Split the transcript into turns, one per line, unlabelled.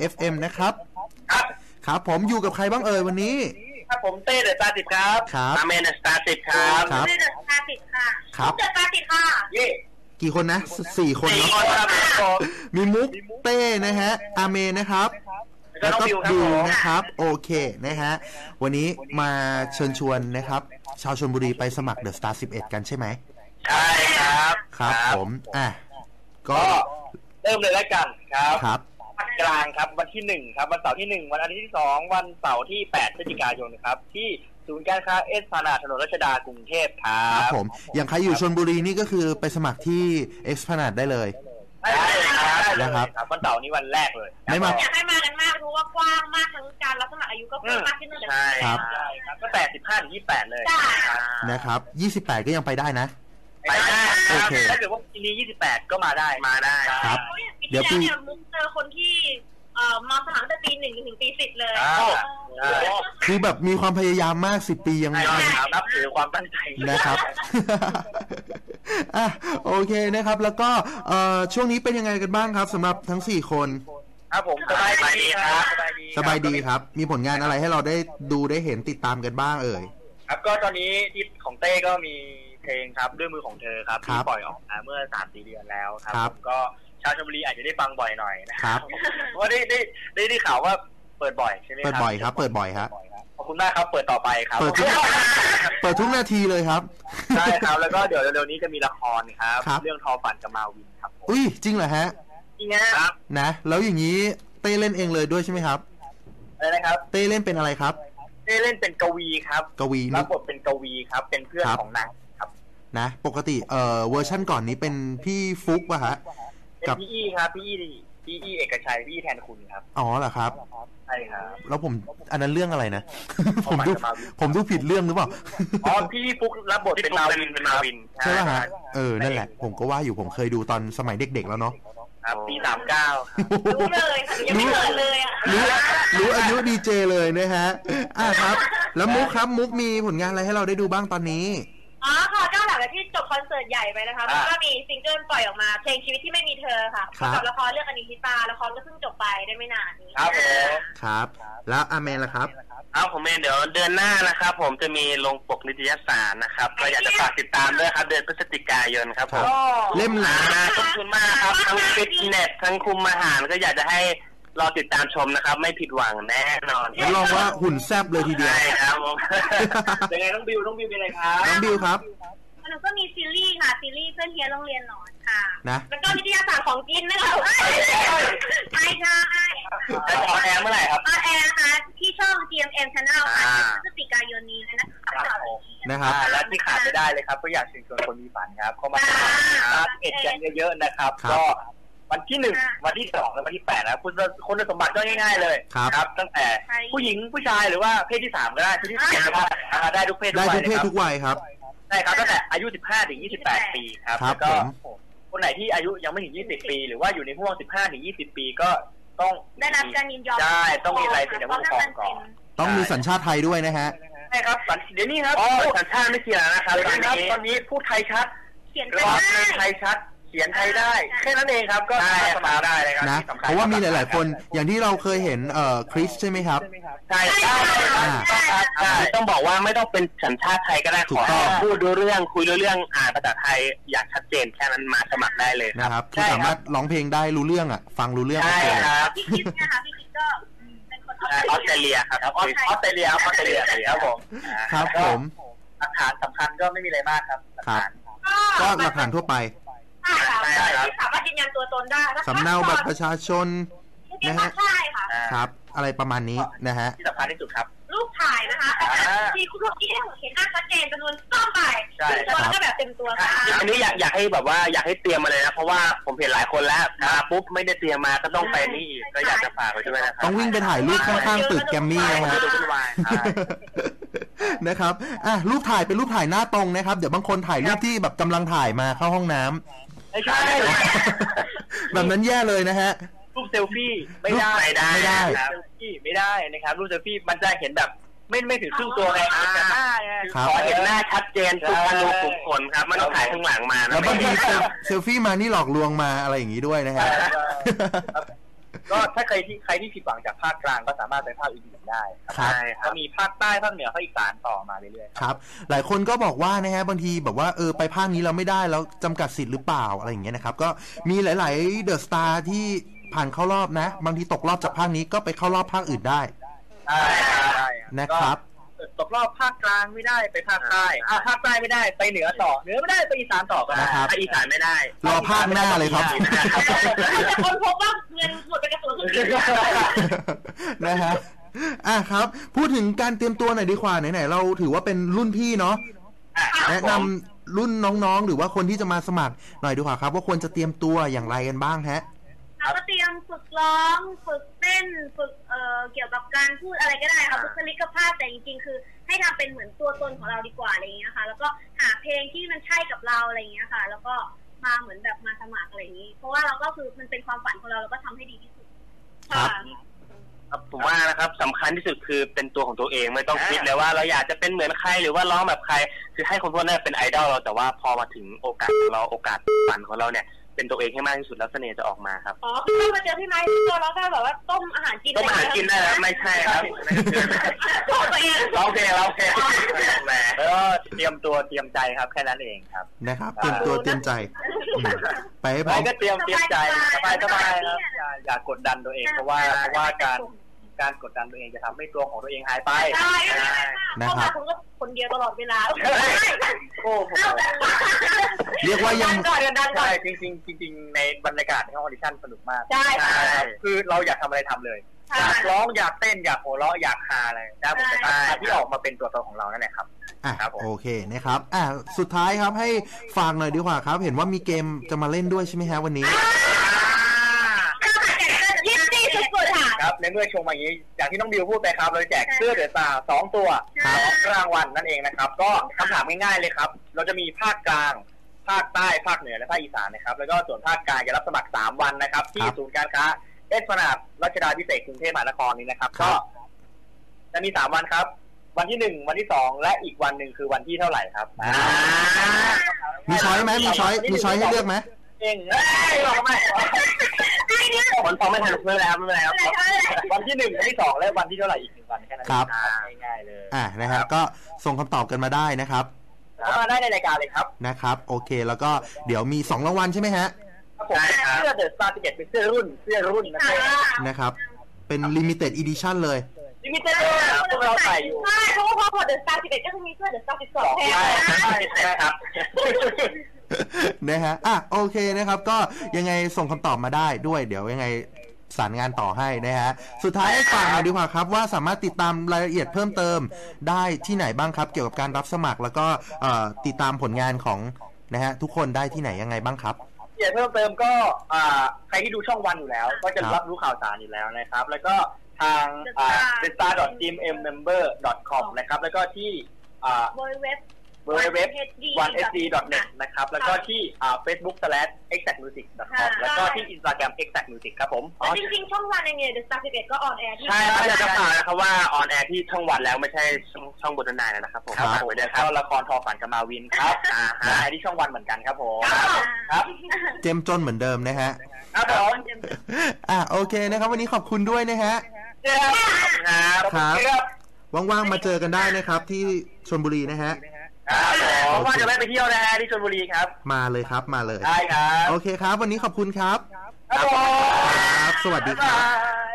FM นะครับ
ครับ
ครับผมอยู่กับใครบ้างเอ่ยวันนี้
ครับผมเต้เดอะสตาร์10ครับ
ครับ
อาเมนเดอะสตาร์10ครับ
เต้เดอะสตาร์10ค่ะ
ครับ
เดอะสตาร์10ค่ะ
เย่
กี่คนนะ4คนเนาะมีมุกเต้นะฮะอาเมนนะครับแล้วก็บิวนะครับโอเคนะฮะวันนี้มาเชิญชวนนะครับชาวชลบุรีไปสมัครเดอะสตาร์11กันใช่ไหม
ใช่ครับ
ครับผม
ก็เริ่มเลยแล้วกัน
ครับ
วันกลางครับวันที่1ครับวันเสาร์ที่1วันอาทิตย์ที่2วันเสาร์ที่8พฤศจิกายนครับที่ศูนย์การค้าเอสพลานาดถนนรัชดากรุงเทพครับ
ผมอย่างใครอยู่ชลบุรีนี่ก็คือไปสมัครที่เอสพลานาดได้เลย
ได้เลย
นะครับ
วันเสาร์นี้วันแรกเลย
ไม่มา
อยากให้มากันมากรู้ว่ากว้างมากทั้งการรับสมัครอายุก็เพิ่มมากขึ้นเลย
ใช่ครับก็แต่15ถึง28เลย
นะครับ28ก็ยังไปได้นะ
ไปได้ถ้าเกิดว่าปีนี้28ก็มาได้
ครับ
เดี๋ยวปีมุกเจอคนที่มาสมัครตั้งแต่ปี1ถึงปี10เลย
คือแบบมีความพยายามมาก10ปียัง
นับถือความตั้งใจ
นะครับโอเคนะครับแล้วก็ช่วงนี้เป็นยังไงกันบ้างครับสำหรับทั้ง4คน
ครับผมสบายดีครับ
สบายดีครับมีผลงานอะไรให้เราได้ดูได้เห็นติดตามกันบ้างเอ่ย
ครับก็ตอนนี้ที่ของเต้ก็มีเพลงครับด้วยมือของเธอครับที่ปล่อยออกมาเมื่อ 3-4 เดือนแล้วครับก็ชาวชลบุรีอาจจะได้ฟังบ่อยหน่อยนะครับเพราะว่าได้ข่าวว่าเปิดบ่อยใช่ไหมครับ
เปิดบ่อยครับเปิดบ่อยครับ
ขอบคุณมากครับเปิดต่อไปครับ
เปิดทุกนาทีเลยครับ
ใช่ครับแล้วก็เดี๋ยวเร็วๆนี้จะมีละครครับเรื่องทอฝันกับมาวินครับ
อุ้ยจริงเหรอฮะ
จริงครับ
นะแล้วอย่างนี้เต้เล่นเองเลยด้วยใช่ไหมครับ
อะไรนะครับ
เต้เล่นเป็นอะไรครับ
เต้เล่นเป็นกวีครับ
กวี
รับบทเป็นกวีครับเป็นเพื่อนของนางครับ
นะปกติเวอร์ชั่นก่อนนี้เป็นพี่ฟุกป่ะฮะ
กับพี่อี้ครับพี่อี้เอกชัยพี่อี้แทนคุณครับ
อ๋อเหรอครับ
ใช่ครับ
แล้วผมอันนั้นเรื่องอะไรนะผมดูผิดเรื่องหรือเปล่า
อ๋อพี่ฟุกรับบทเป็นมาวิน
ใช่ป่ะฮะนั่นแหละผมก็ว่าอยู่ผมเคยดูตอนสมัยเด็กๆแล้วเนาะ
ครับปี39
รู้เลยยังไม่เกิดเลยอ่ะ
รู้อายุดีเจเลยนะฮะครับแล้วมุกครับมุกมีผลงานอะไรให้เราได้ดูบ้างตอนนี้
ค่ะก็หลังจากที่จบคอนเสิร์ตใหญ่ไปนะคะก็มีซิงเกิลปล่อยออกมาเพลงชีวิตที่ไม่มีเธอค่ะกับละครเรื่องอนิชิตาละครก็เพิ่งจบไปได้ไม่นานนี้
ครับแล้วอาเมนล่ะครับ
ผมเมนเดี๋ยวเดือนหน้านะครับผมจะมีลงปกนิตยสารนะครับก็อยากจะฝากติดตามด้วยครับเดือนพฤศจิกายนครับผม
เล่มหนา
ขอบคุณมากครับทั้งฟิตเนสทั้งคุมอาหารก็อยากจะให้รอติดตามชมนะครับไม่ผิดหวังแน่นอน
รับรองว่าหุ่นแซ่บเลยทีเดียว
ใช่ครับผมยังไงต้องบิวเป็นอะไรครับ
น้องบิวครับ
แล้วก็มีซีรีส์ค่ะซีรีส์เพื่อนเฮียโรงเรียนหนอนค่ะ
นะ
แล้วก็วิทยาศาสตร์ของกินนะคะใช่
จะออนแอร์เมื่อไหร่ครับ
ออนแอร์นะคะที่ช่อง GMM Channel ค่ะพฤศจิกายนนี้
นะครับ
และที่ขาดไม่ได้เลยครับก็อยากเชิญชวนคนมีฝันครับเข้ามาเอ็ดกันเยอะๆนะครับก็วันที่1วันที่2และวันที่8นะคุณสมบัติก็ง่ายๆเลยครับตั้งแต่ผู้หญิงผู้ชายหรือว่าเพศที่3ก็ได้เพศที่4ก็ได้ทุกเพศ
ทุกวัยครับ
ใช่ครับตั้งแต่อายุ15ถึง28ปีครับแล้วก็คนไหนที่อายุยังไม่ถึง20ปีหรือว่าอยู่ในห่วง15ถึง20ปีก็ต้อง
ได้รับการยินยอม
ใช่ต้องมีอะไรเป็นผู้ปกครองก่อน
ต้องมีสัญชาติไทยด้วยนะฮะ
ใช่ครับเดี๋ยวนี้ครับสัญชาติไม่เกี่ยวนะครับตอนนี้พูดไทยชัด
เขียน
ไทยชัดเขียนไทยได้แค่นั้นเองครับก็สมัครได้เลยครับ
นะเพราะว่ามีหลายๆคนอย่างที่เราเคยเห็นคริสใช่ไหมครับ
ใช่ต้องบอกว่าไม่ต้องเป็นสัญชาติไทยก็ได้ขอพูดรู้เรื่องคุยรู้เรื่องอ่านภาษาไทยอยากชัดเจนแค่นั้นมาสมัครได้เลย
นะครับคือสามารถร้องเพลงได้รู้เรื่องฟังรู้เรื่อง
ใช่ครับ
พี่คิดนะคะพี่คิดก็เป็นคนอ
อสเตรเลียครับออสเตรเลียครับผม
ครับผม
หลักฐานสำคัญก็ไม่มีอะไรมากครับ
ก็หลักฐานทั่วไป
สามารถยืนยันตัวตนได้
สำเนาบัตรประชาชน
นะฮะใช่ค่ะ
ครับอะไรประมาณนี้นะฮะ
ที่สำคัญที่สุดครับ
รูปถ่ายนะคะที่คุณผู้ชมเห็นหน้าชัดเจนจำนวนต้องไปตัวก็แบบเต็มตัวค่ะ
อันนี้อยากให้แบบว่าอยากให้เตรียมมาเลยนะเพราะว่าผมเห็นหลายคนแล้วมาปุ๊บไม่ได้เตรียมมาก็ต้องไปนี่ก็อยากจะฝากไว้ด้วยนะครับ
ต้องวิ่งไปถ่ายรูปข้างๆตึกแกมมี่นะครับนะครับรูปถ่ายเป็นรูปถ่ายหน้าตรงนะครับเดี๋ยวบางคนถ่ายรูปที่แบบกำลังถ่ายมาเข้าห้องน้ำ
ไม่ใช่
แบบนั้นแย่เลยนะฮะ
รูปเซลฟี่ไม่ได้เซลฟี่ไม่ได้นะครับรูปเซลฟี่มันจะเห็นแบบไม่ถึงครึ่งตัวไงขอเห็นหน้าชัดเจนทุกอนูขุมขนครับมันต้องถ่ายข้างหลังมา
แล้วบางทีเซลฟี่มานี่หลอกลวงมาอะไรอย่างนี้ด้วยนะครับ
ก็ถ้าใครที่ผิดหวังจากภาคกลางก็สามารถไปภาคอื่นๆได้ใช่ก็มีภาคใต้ภาคเหนือภาคอีสานต่อมาเรื่อย
ๆครับหลายคนก็บอกว่านะฮะบางทีแบบว่าไปภาคนี้เราไม่ได้แล้วจำกัดสิทธิ์หรือเปล่าอะไรอย่างเงี้ยนะครับก็มีหลายๆเดอะสตาร์ที่ผ่านเข้ารอบนะบางทีตกรอบจากภาคนี้ก็ไปเข้ารอบภาคอื่นได้นะครับ
ตกรอบภาคกลางไม่ได้ไปภาคใต้ภาคใต้ไม่ได้ไปเหนือต่อเหนือไม่ได้ไปอีสานต่อก็ได้ภาคอีสานไม่ได้
รอภาคหน้าเลยครับ
แต่คนพบว่าเงินหมดไปกระสุน
นะฮะครับพูดถึงการเตรียมตัวหน่อยดีกว่าไหนๆเราถือว่าเป็นรุ่นพี่เนาะแนะนำรุ่นน้องๆหรือว่าคนที่จะมาสมัครหน่อยดีกว่าครับว่าควรจะเตรียมตัวอย่างไรกันบ้างฮะ
ก็เตรียมฝึกร้องฝึกเต้นฝึกเกี่ยวกับการพูดอะไรก็ได้ค่ะบุคลิกภาพแต่จริงๆคือให้ทำเป็นเหมือนตัวตนของเราดีกว่าอะไรอย่างเงี้ยค่ะแล้วก็หาเพลงที่มันใช่กับเราอะไรอย่างเงี้ยค่ะแล้วก็มาเหมือนแบบมาสมัครอะไรอย่างงี้เพราะว่าเราก็คือมันเป็นความฝันของเราก็ทำให้ดีที่สุด
ครับผมว่านะครับสำคัญที่สุดคือเป็นตัวของตัวเองไม่ต้องคิดเลยว่าเราอยากจะเป็นเหมือนใครหรือว่าร้องแบบใครคือให้คนพวกนั้นเป็นไอดอลเราแต่ว่าพอมาถึงโอกาสของเราโอกาสฝันของเราเนี่ยเป็นตัวเองให้มากที่สุดแล้วเสน่ห์จะออ
ก
มาครับ
คือถ้ามาเจอพี่ไม้ตัวเราก็แบบว่าต้มอาหารกิน
ได้แล้วไม่ใช่ครับ
ตัวเอง
ร้องเพลงแล้วเตรียมตัวเตรียมใจครับแค่นั้นเองครับ
นะครับเตรียมตัวเตรียมใจไปให้พร้อม
ก็เตรียมใจสบายครับอย่ากดดันตัวเองเพราะว่าการกดดันตัวเองจะทำให้ตัวของตัวเองหายไป
นะครับ
คนเดียวตลอดเวลา
เรียกว่ายัง
ใช่จริงในบรรยากาศในห้องออดิชั่นสนุกมาก
ใช่
คือเราอยากทำอะไรทำเลยอยากร้องอยากเต้นอยากหัวเราะอยากฮาอะไรได้หมดเลยที่ออกมาเป็นตัวตนของเรานั่นแหละครับ
โอเคนะครับสุดท้ายครับให้ฝากหน่อยดีกว่าครับเห็นว่ามีเกมจะมาเล่นด้วยใช่ไหมฮะวันนี้
ครับในเมื่อชมอย่างนี้อย่างที่น้องบิวพูดไปครับเราแจกเสื้อเดอะสตาร์2 ตัวรางวัลนั่นเองนะครับก็คำถามง่ายๆเลยครับเราจะมีภาคกลางภาคใต้ภาคเหนือและภาคอีสานนะครับแล้วก็ส่วนภาคกลางจะรับสมัคร3 วันนะครับที่ศูนย์การค้าเอสพนาดรัชดาภิเษกกรุงเทพมหานครนี้นะครับก็จะมี3 วันครับวันที่1วันที่2และอีกวันหนึ่งคือวันที่เท่าไหร่ครับ
มีช้อยไหมมีช้อยให้เลือกไหม
บอกไม่คนฟังไม่ทันไม่เป็นไรครับวันที่1วันที่2และวันที่เท่าไหร่อีก1 วันแค่นั้นง่ายๆเลย
นะครับก็ส่งคำตอบกันมาได้นะครับ
เข้ามาได้ในรายการเลยครับ
นะครับโอเคแล้วก็เดี๋ยวมี2 รางวัลใช่ไหมฮะ
ครับผมเสื้อเดอะสตาร์11เป็นเสื้อรุ่น
นะครับเป็น limited edition เลย
limited พวกเราใส่อยู่
ใช่เพราะว่าพอเดอะสตาร์11ก็จะมีเสื้อเดอะสตาร์12แทน
ใช่ครับ
นะฮะโอเคนะครับก็ยังไงส่งคำตอบมาได้ด้วยเดี๋ยวยังไงสารงานต่อให้นะฮะสุดท้ายให้ฝากหน่อยดีกว่าครับว่าสามารถติดตามรายละเอียดเพิ่มเติมได้ที่ไหนบ้างครับเกี่ยวกับการรับสมัครแล้วก็ติดตามผลงานของนะฮะทุกคนได้ที่ไหนยังไงบ้างครับ
รายละเอียดเพิ่มเติมก็ใครที่ดูช่องวันอยู่แล้วก็จะรับรู้ข่าวสารอยู่แล้วนะครับแล้วก็ทาง thestar.gmmember.com นะครับแล้วก็ที่www.1sd.net นะครับแล้วก็ที่facebook/exactmusic.com แล้วก็ที่ Instagram exactmusic ครับผม
จริงๆช่องวันเองเนี่ย The Star 11ก็ออนแอร์ที่
ใช่แล้วจะฝากนะครับว่าออนแอร์ที่ช่องวันแล้วไม่ใช่ช่องบนนายนะครับผมครับไปด้วยครับละครทอฝันกับมาวินครับที่ช่องวันเหมือนกันครับผม
ครับเจมจนเหมือนเดิมนะฮะ
ครับผม
โอเคนะครับวันนี้ขอบคุณด้วยนะฮะครับว่างๆมาเจอกันได้นะครับที่ชลบุรีนะฮะ
ว่าจะไม่ไปเที่ยวนะฮะที่ชลบุรีครับ
มาเลยครับมาเลย
ได้ครับ
โอเคครับวันนี้ขอบคุณครับ
ครับ
สวัสดีครับ